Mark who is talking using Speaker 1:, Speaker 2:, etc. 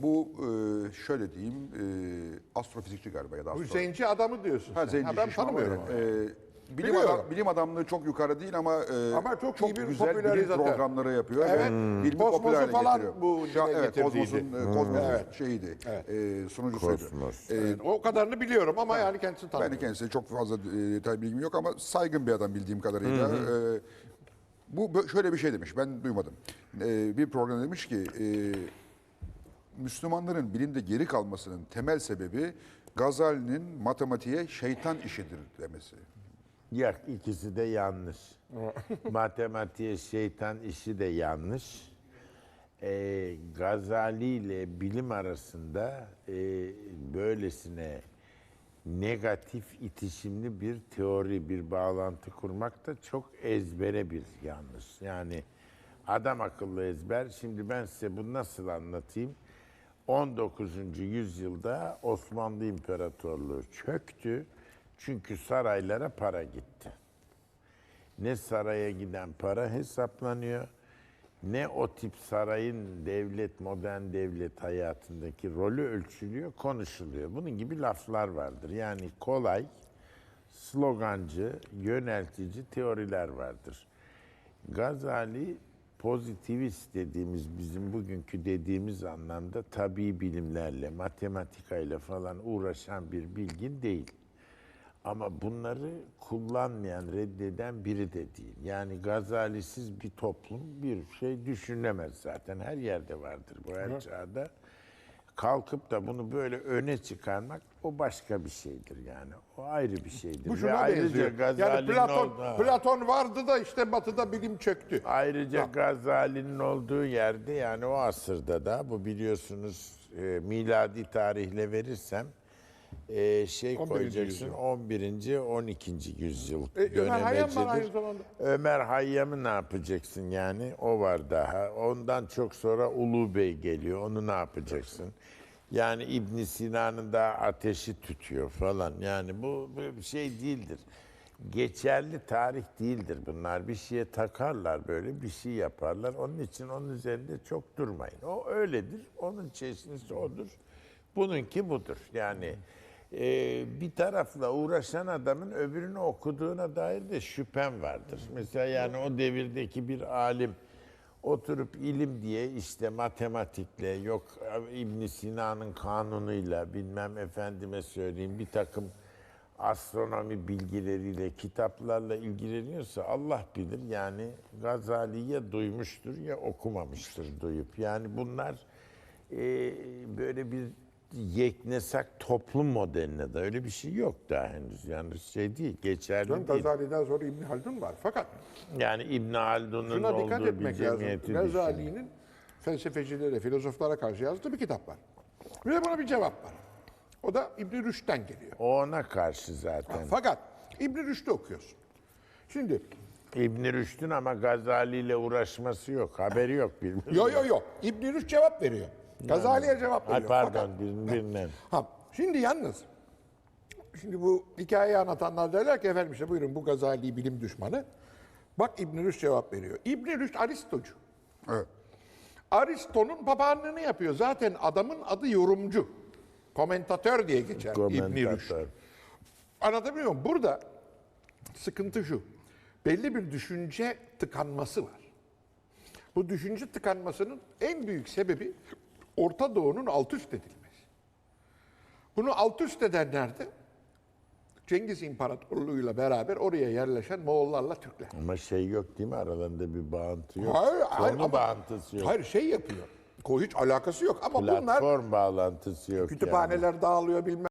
Speaker 1: Bu şöyle diyeyim, astrofizikçi galiba ya da
Speaker 2: Bu zenci adamı diyorsun sen.
Speaker 1: zenci
Speaker 2: Ben
Speaker 1: şişman
Speaker 2: tanımıyorum
Speaker 1: ama,
Speaker 2: onu.
Speaker 1: bilim, bilim adamlığı çok yukarı değil ama,
Speaker 2: Ama çok iyi bir
Speaker 1: güzel bilim
Speaker 2: popülerizatör.
Speaker 1: programları yapıyor.
Speaker 2: Evet.
Speaker 1: Ve bilimi
Speaker 2: Kosmos'u
Speaker 1: popüler hale
Speaker 2: falan
Speaker 1: getiriyor.
Speaker 2: bu dile
Speaker 1: Evet,
Speaker 2: getirdiydi.
Speaker 1: Kozmos'un
Speaker 2: Evet.
Speaker 1: şeyiydi,
Speaker 2: Evet.
Speaker 1: sunucusuydu.
Speaker 3: Kosmos.
Speaker 2: O kadarını biliyorum ama yani kendisini
Speaker 1: Ben de
Speaker 2: tanımıyorum.
Speaker 1: kendisine çok fazla detay bilgim yok ama saygın bir adam bildiğim kadarıyla. Şöyle bir şey demiş, ben duymadım. Bir program demiş ki, Müslümanların bilimde geri kalmasının temel sebebi Gazali'nin matematiğe şeytan işidir demesi.
Speaker 3: Yok, ikisi de yanlış. Matematiğe şeytan işi de yanlış. Gazali ile bilim arasında böylesine negatif itişimli bir teori, bir bağlantı kurmak da çok ezbere bir yanlış. Yani adam akıllı ezber. Şimdi ben size bunu nasıl anlatayım? 19. yüzyılda Osmanlı İmparatorluğu çöktü. Çünkü saraylara para gitti. Ne saraya giden para hesaplanıyor, ne o tip sarayın devlet, modern devlet hayatındaki rolü ölçülüyor, konuşuluyor. Bunun gibi laflar vardır. Yani kolay, slogancı, yöneltici teoriler vardır. Gazali pozitivist dediğimiz, bizim bugünkü dediğimiz anlamda tabii bilimlerle, matematikayla falan uğraşan bir bilgin değil. Ama bunları kullanmayan, reddeden biri de değil. Yani Gazali'siz bir toplum bir şey düşünemez zaten. Her yerde vardır bu, her çağda. Kalkıp da bunu böyle öne çıkarmak o başka bir şeydir yani. O ayrı bir şeydir.
Speaker 2: Bu
Speaker 3: Ve
Speaker 2: şuna
Speaker 3: ayrıca
Speaker 2: benziyor. Yani
Speaker 3: Gazali'nin
Speaker 2: Platon vardı da işte Batı'da bilim çöktü.
Speaker 3: Ayrıca Gazali'nin olduğu yerde, yani o asırda da, bu biliyorsunuz miladi tarihle verirsem
Speaker 2: 11.
Speaker 3: koyacaksın,
Speaker 2: yüzyıl.
Speaker 3: 11. 12. yüzyıl
Speaker 2: Ömer Hayyam var aynı
Speaker 3: dönemecidir.
Speaker 2: zamanda.
Speaker 3: Ömer Hayyam'ı ne yapacaksın yani? O var daha. Ondan çok sonra Ulu Bey geliyor. Onu ne yapacaksın? Yani İbn Sina'nın da ateşi tütüyor falan. Yani bu bir şey değildir. Geçerli tarih değildir bunlar. Bir şeye takarlar, böyle bir şey yaparlar. Onun için onun üzerinde çok durmayın. O öyledir. Onun çeşnisi odur. Bununki budur. Yani bir tarafla uğraşan adamın öbürünü okuduğuna dair de şüphem vardır. Mesela yani o devirdeki bir alim oturup ilim diye işte matematikle, yok İbn Sina'nın kanunuyla, bilmem efendime söyleyeyim bir takım astronomi bilgileriyle, kitaplarla ilgileniyorsa Allah bilir, yani Gazali'ye duymuştur ya okumamıştır duyup. Yani bunlar böyle bir yeknesak toplum modeline de öyle bir şey yok daha henüz. Yani şey değil, geçerli değil.
Speaker 2: Gazali'den sonra İbn Haldun var. Fakat
Speaker 3: Yani İbn Haldun'un
Speaker 2: şuna dikkat
Speaker 3: olduğu bir
Speaker 2: etmek lazım.
Speaker 3: cemiyeti düşün.
Speaker 2: Gazali'nin felsefecilere, filozoflara karşı yazdığı bir kitap var. Bir de buna bir cevap var. O da İbn Rüşd'den geliyor.
Speaker 3: O ona karşı zaten.
Speaker 2: Fakat İbn Rüşd'ü okuyorsun. Şimdi
Speaker 3: İbn Rüşd'ün ama Gazali ile uğraşması yok, haberi yok birbirine.
Speaker 2: yo. İbn Rüşd cevap veriyor. Gazali'ye cevap
Speaker 3: Ay
Speaker 2: veriyor.
Speaker 3: pardon,
Speaker 2: Fakat-
Speaker 3: birbirinden.
Speaker 2: Şimdi yalnız, şimdi bu hikayeyi anlatanlar derler ki efendim işte buyurun bu Gazali bilim düşmanı. Bak İbn Rüşd cevap veriyor. İbn Rüşd Aristocu.
Speaker 1: Evet.
Speaker 2: Aristo'nun papağanlığını yapıyor. Zaten adamın adı yorumcu. Komentatör diye geçer İbn Rüşd.
Speaker 3: Komentatör.
Speaker 2: Anlatabiliyor muyum? Burada sıkıntı şu. Belli bir düşünce tıkanması var. Bu düşünce tıkanmasının en büyük sebebi Orta Doğu'nun alt üst edilmesi. Bunu alt üst edenler de Cengiz İmparatorluğu'yla beraber oraya yerleşen Moğollarla Türkler.
Speaker 3: Ama şey yok değil mi, aralarında bir bağıntı yok.
Speaker 2: Hayır,
Speaker 3: Konu
Speaker 2: ama-
Speaker 3: bağıntısı yok.
Speaker 2: Hayır şey yapıyor. Hiç alakası yok ama bunlar
Speaker 3: Platform bağlantısı yok.
Speaker 2: kütüphaneler dağılıyor bilmem